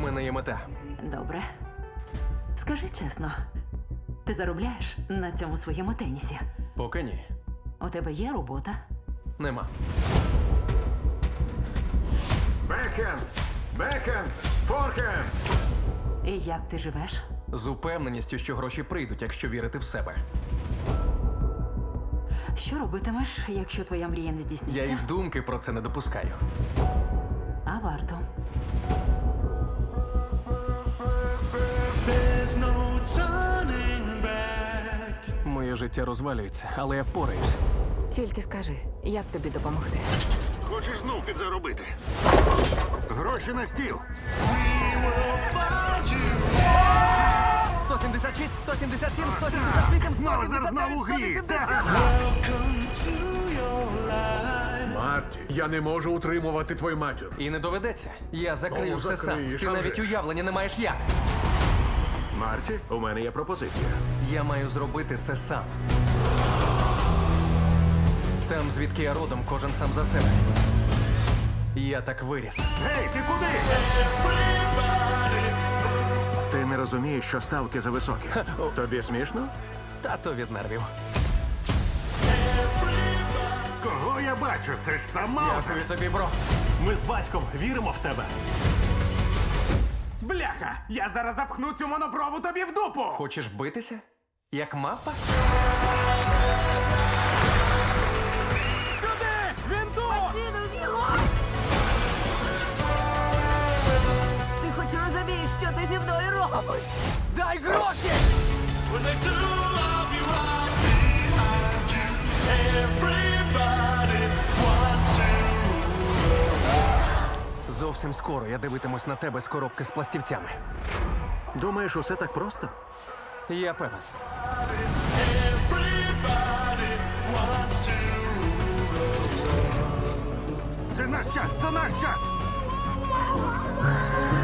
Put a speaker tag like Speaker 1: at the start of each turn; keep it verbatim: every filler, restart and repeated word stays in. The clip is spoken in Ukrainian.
Speaker 1: мене є мета.
Speaker 2: Добре. Скажи чесно, ти заробляєш на цьому своєму тенісі?
Speaker 1: Поки ні.
Speaker 2: У тебе є робота?
Speaker 1: Нема.
Speaker 3: Бекхенд! Бекхенд! Форхенд!
Speaker 2: І як ти живеш?
Speaker 1: З упевненістю, що гроші прийдуть, якщо вірити в себе.
Speaker 2: Що робитимеш, якщо твоя мрія не
Speaker 1: Я
Speaker 2: здійсниться?
Speaker 1: й думки про це не допускаю.
Speaker 2: А варто.
Speaker 4: There's no turning back.
Speaker 1: Моє життя розвалюється, але я впораюсь.
Speaker 5: Тільки скажи, як тобі допомогти?
Speaker 6: Хочеш знов підзаробити? Гроші на стіл.
Speaker 1: сто сімдесят шість, сто сімдесят сім, сто сімдесят вісім,
Speaker 6: Знову
Speaker 1: сто сімдесят
Speaker 6: знову
Speaker 1: дев'ять, сто
Speaker 6: гріх.
Speaker 1: вісімдесят.
Speaker 4: Welcome to your life.
Speaker 3: Марті, я не можу утримувати твою матір.
Speaker 1: І не доведеться. Я закрию
Speaker 3: Ну,
Speaker 1: все сам.
Speaker 3: закриєш,
Speaker 1: Ти
Speaker 3: а
Speaker 1: навіть
Speaker 3: вже ж.
Speaker 1: уявлення не маєш як.
Speaker 3: Марті, у мене є пропозиція.
Speaker 1: Я маю зробити це сам. Там, звідки я родом, кожен сам за себе. Я так виріс.
Speaker 6: Гей, ти куди?
Speaker 3: Ти не розумієш, що ставки зависокі. Тобі смішно?
Speaker 1: Тато від нервів.
Speaker 6: Кого я бачу? Це ж сам Маузер.
Speaker 1: Дякую тобі, бро.
Speaker 7: Ми з батьком віримо в тебе.
Speaker 6: Бляха! Я зараз запхну цю монопрову тобі в дупу!
Speaker 1: Хочеш битися? Як мапа?
Speaker 6: Сюди! Він тут!
Speaker 5: Ти хоч розумієш, що ти зі мною робиш?
Speaker 1: Дай гроші!
Speaker 4: When they do, I'll be right behind you. Everybody wants to.
Speaker 1: Зовсім скоро я дивитимусь на тебе з коробки з пластівцями.
Speaker 3: Думаєш, усе так просто?
Speaker 1: Я певен.
Speaker 4: Everybody wants to.
Speaker 6: Це наш час! Це наш час!